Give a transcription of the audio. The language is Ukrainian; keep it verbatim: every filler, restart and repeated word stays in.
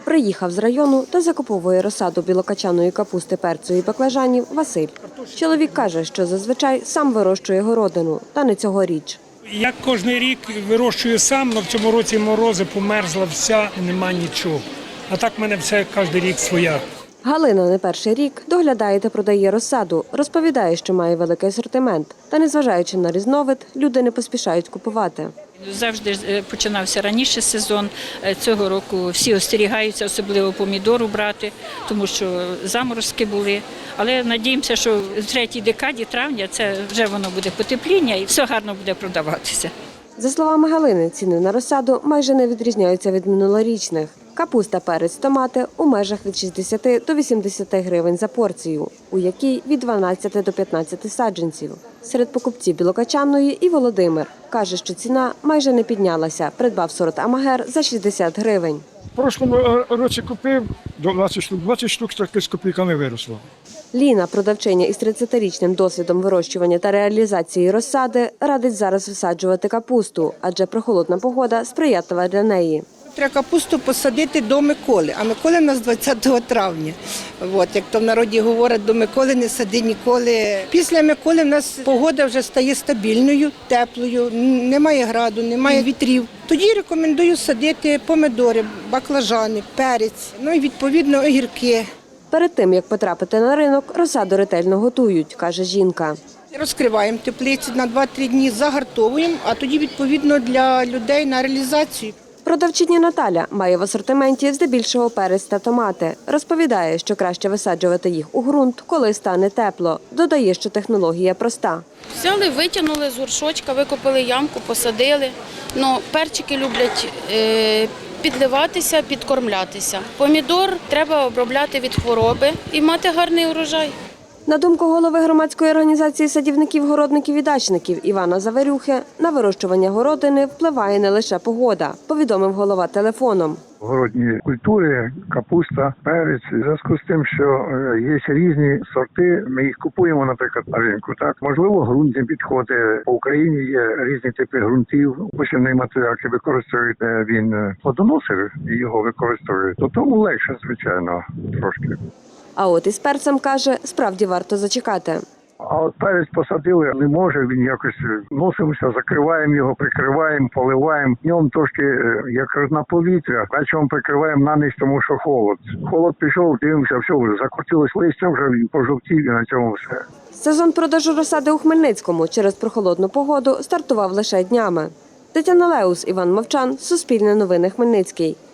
Приїхав з району та закуповує розсаду білокачаної капусти, перцю і баклажанів Василь. Чоловік каже, що зазвичай сам вирощує городину, та не цьогоріч. Я кожен рік вирощую сам, але в цьому році морози, померзла вся, нема нічого. А так в мене все кожен рік своя. Галина не перший рік доглядає та продає розсаду. Розповідає, що має великий асортимент. Та незважаючи на різновид, люди не поспішають купувати. Завжди починався раніше сезон. Цього року всі остерігаються, особливо помідору брати, тому що заморозки були. Але надіємося, що в третій декаді травня це вже воно буде потепління і все гарно буде продаватися. За словами Галини, ціни на розсаду майже не відрізняються від минулорічних. Капуста, перець, томати у межах від шістдесяти до вісімдесяти гривень за порцію, у якій від дванадцяти до п'ятнадцяти саджанців. Серед покупців білокачанної і Володимир. Каже, що ціна майже не піднялася. Придбав сорт Амагер за шістдесят гривень. В прошлому році купив двадцять штук, двадцять штук з копійками виросло. Ліна, продавчиня із тридцятирічним досвідом вирощування та реалізації розсади, радить зараз висаджувати капусту, адже прохолодна погода сприятлива для неї. Треба капусту посадити до Миколи, а Миколи в нас двадцятого травня. От, як то в народі говорять, до Миколи не сади ніколи. Після Миколи в нас погода вже стає стабільною, теплою, немає граду, немає вітрів. Тоді рекомендую садити помидори, баклажани, перець, ну і відповідно огірки. Перед тим, як потрапити на ринок, розсаду ретельно готують, каже жінка. Розкриваємо теплиці на два-три дні, загартовуємо, а тоді відповідно для людей на реалізацію. Продавчиня Наталя має в асортименті здебільшого перець та томати. Розповідає, що краще висаджувати їх у ґрунт, коли стане тепло. Додає, що технологія проста. Взяли, витягнули з горшочка, викопали ямку, посадили. Ну, перчики люблять е, підливатися, підкормлятися. Помідор треба обробляти від хвороби і мати гарний урожай. На думку голови громадської організації садівників, городників і дачників Івана Заверюхи, на вирощування городини впливає не лише погода, повідомив голова телефоном. Городні культури, капуста, перець. В зв'язку з тим, що є різні сорти, ми їх купуємо, наприклад, на ринку. Так, можливо, ґрунт не підходить. По Україні є різні типи ґрунтів. Посівний матеріал, який використовують, він плодоносив і його використовують. То тому легше, звичайно, трошки. А от із перцем, каже, справді варто зачекати. А от перець посадили, не може, він якось носимося, закриваємо його, прикриваємо, поливаємо. Днем трошки, як на повітря, вечором прикриваємо на ніч, тому що холод. Холод пішов, дивимося, все, закрутилось листя, вже він пожовтів і на цьому все. Сезон продажу розсади у Хмельницькому через прохолодну погоду стартував лише днями. Тетяна Леус, Іван Мовчан, Суспільне новини, Хмельницький.